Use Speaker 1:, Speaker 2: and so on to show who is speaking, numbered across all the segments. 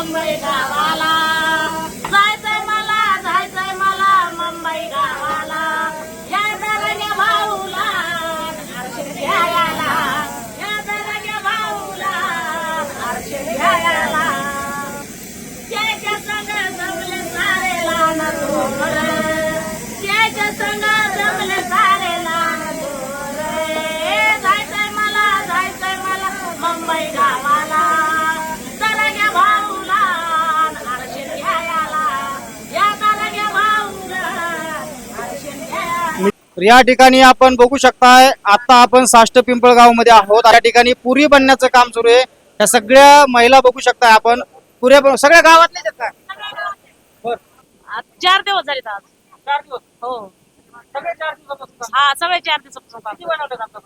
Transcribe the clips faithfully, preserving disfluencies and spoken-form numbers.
Speaker 1: मुंबई गावाला जायचंय मला जायचंय मला मुंबई गावाला या दरग्या भाऊला दर्शन घ्यायला या दरग्या भाऊला दर्शन घ्यायला त्याच्या संग जमले सारे लहान थोर त्याच्या संग जमले सारे लहान थोर जायचंय मला जायचंय मला मुंबई गावाला दरग्या भाऊला दर्शन घ्यायला या दरग्या भाऊला दर्शन घ्यायला।
Speaker 2: या ठिकाणी आपण बघू शकताय आता आपण साष्ट पिंपळगाव मध्ये आहोत। या ठिकाणी पुरी बनण्याचं काम सुरू आहे। या सगळ्या महिला बघू शकताय आपण पुऱ्या बन- सगळ्या गावातले का
Speaker 1: आज चार दिवस झाले आज
Speaker 2: चार दिवस
Speaker 1: हो
Speaker 2: सगळे चार दिवसापासून
Speaker 1: हा सगळे चार दिवसापासून काम.
Speaker 2: किती बनवतात आतापर्यंत?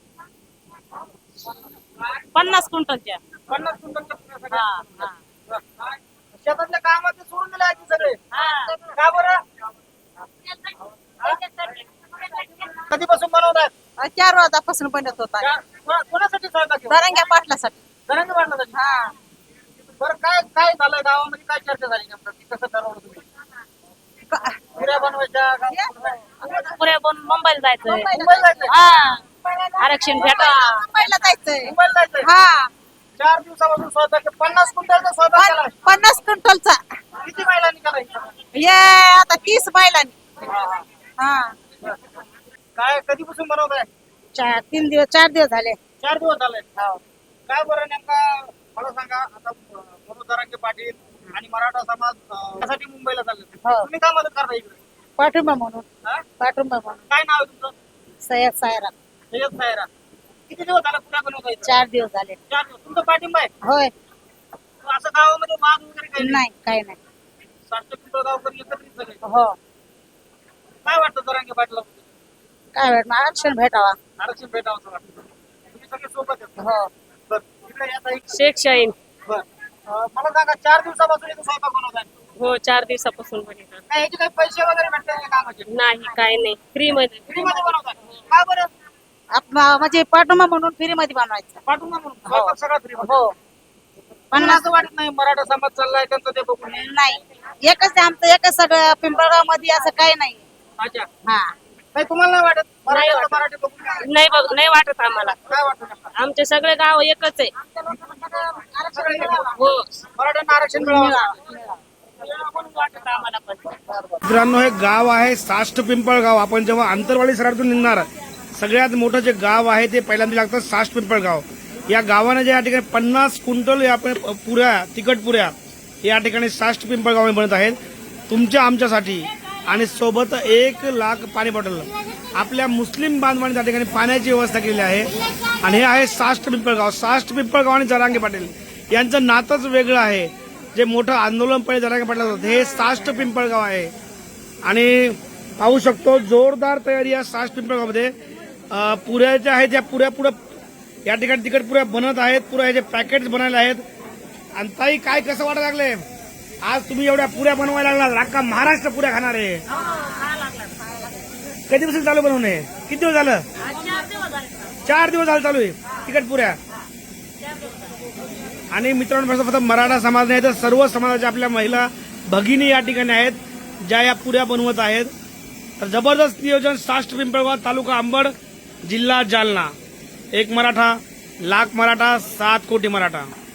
Speaker 1: पन्नास क्विंटलच्या
Speaker 2: पन्नास क्विंटलच्या पुऱ्या सगळ्या.
Speaker 1: हा हा
Speaker 2: शेतातल्या कामाचे सोडून दिले आहेत सगळे
Speaker 1: हा.
Speaker 2: का बरं? कधीपासून बनवतात?
Speaker 3: चार वाजतापासून बनत होता
Speaker 2: का- कोणा- कोणासाठी स्वयंपाक केला?
Speaker 3: दरंग्या पाटलासाठी
Speaker 2: जरांगे पाटलासाठी.
Speaker 3: हा
Speaker 2: बरं काय काय झालं गावामध्ये काय चर्चा झाली नेमकं की कसं ठरवलं तुम्ही
Speaker 3: क-
Speaker 2: पुऱ्या बनवायच्या का-
Speaker 1: पुऱ्या बनून मुंबईला जायचंय
Speaker 2: मुंबईला जायचंय?
Speaker 1: हा आरक्षण भेटा
Speaker 3: मुंबईला जायचंय
Speaker 2: मुंबईला जायचंय?
Speaker 3: हा
Speaker 2: चार दिवसापासून स्वयंपाक केला. पन्नास क्विंटलचा स्वयंपाक केला.
Speaker 3: पन- पन्नास क्विंटलचा
Speaker 2: किती महिलांनी करायचं?
Speaker 3: ये आता तीस बैलांनी हा
Speaker 2: काय कधीपासून बनवताय?
Speaker 3: चार तीन दिवस चार दिवस झाले
Speaker 2: चार दिवस झाले. काय बरं नेमका मला सांगा आता मनोज जरांगे पाटील आणि मराठा समाज अं, यासाठी मुंबईला चालले
Speaker 3: हो.
Speaker 2: तुम्ही काय मदत करता इकडे?
Speaker 3: पाठिंबा म्हणून
Speaker 2: हा?
Speaker 3: पाठिंबा म्हणून
Speaker 2: काय नाव आहे तुमचं?
Speaker 3: सय्यद सायरा
Speaker 2: सय्यद सायरा. किती दिवस झाला पुऱ्या बनवता इथं?
Speaker 3: चार दिवस झाले
Speaker 2: चार दिवस. तुमचा पाठिंबा आहे
Speaker 3: होय
Speaker 2: असं गावामध्ये वाद वगैरे काही
Speaker 3: नाही काही नाही
Speaker 2: साष्ट पिंपळगावकर एकत्रित सगळे
Speaker 3: हो
Speaker 2: काय वाटतं जरांगे पाटला
Speaker 3: काय भेटणार आरक्षण भेटावा
Speaker 2: आरक्षण भेटावं असं वाटतं तुम्ही सगळे सोबत आहेत
Speaker 3: हो
Speaker 2: बरं इकडे या ताई.
Speaker 1: शेख शाहीन
Speaker 2: बरं अं, मला सांगा चार दिवसापासून इथं स्वयंपाक बनवताय
Speaker 1: हो चार दिवसापासून बनवतात
Speaker 2: काय याचे काही पैसे वगैरे भेटतात का कामाचे
Speaker 1: नाही काय नाही फ्री मध्ये
Speaker 2: फ्रीमध्ये बनवताय का बरं
Speaker 3: आपला म्हणजे पाठिंबा म्हणून फ्री मध्ये बनवायचं
Speaker 2: पाठवून ना म्हणून स्वयंपाक सगळा फ्री
Speaker 3: हो
Speaker 2: पण असं वाटत नाही मराठा समाज चाललाय त्यांचं ते बघून
Speaker 3: नाही एकच आहे आमचं एकच सगळं पिंपळगाव मध्ये असं काही नाही
Speaker 2: अच्छा
Speaker 3: हा
Speaker 2: नाही तुम्हाला नाही वाटत
Speaker 1: नाही
Speaker 2: मराठा
Speaker 1: वाटत.
Speaker 2: मराठी बघून
Speaker 1: नाही बघ नाही वाटत आम्हाला
Speaker 2: काय वाटतं नेमकं?
Speaker 1: आमचे सगळे गाव एकच आहे
Speaker 2: सगळे एकत्र.
Speaker 1: हो
Speaker 2: मराठ्यांना आरक्षण मिळावं
Speaker 1: म्हणून वाटत आम्हाला पण
Speaker 4: मित्रांनो हे गाव आहे साष्ट पिंपळगाव. आपण जेव्हा आंतरवाडी सरातून निघणार सगळ्यात मोठं जे गाव आहे ते पहिल्यांदा लागतं साष्ट पिंपळगाव. या गावाने जे या ठिकाणी पन्नास क्विंटल या आपण पुऱ्या तिखट पुऱ्या या ठिकाणी साष्ट पिंपळगाव बनत आहेत तुमच्या आमच्यासाठी आणि सोबत एक लाख पाणी बॉटल. आपल्या मुस्लिम बांधवांनी त्या ठिकाणी पाण्याची व्यवस्था केलेली आहे आणि हे आहे साष्ट पिंपळगाव. साष्ट पिंपळगाव आणि जरांगे पाटील यांचं नातंच वेगळं आहे. जे मोठं आंदोलन पहिले जरांगे पाटील होतं हे साष्ट पिंपळगाव आहे आणि पाहू शकतो जोरदार तयारी या साष्ट पिंपळगावमध्ये. अं, पुऱ्या ज्या आहेत त्या पुऱ्या पुढं या ठिकाणी तिकट पुऱ्या बनत आहेत. पुऱ्या ह्याचे पॅकेट्स बनायला आहेत. आणि ताई काय कसं वाटत लागले आज तुम्ही एवढ्या पुऱ्या बनवायला लागला अख्खा महाराष्ट्र पुऱ्या खाणार आहे. कधीपासून चालू बनवणे किती दिवस झालं? चार दिवस झालं चालू आहे तिकट पुऱ्या. आणि मित्रांनो फक्त मराठा समाज नाही तर सर्व समाजाच्या आपल्या महिला भगिनी या ठिकाणी आहेत ज्या या पुऱ्या बनवत आहेत. तर जबरदस्त नियोजन साष्ट पिंपळगाव तालुका अंबड जिल्हा जालना. एक मराठा लाख मराठा सात कोटी मराठा.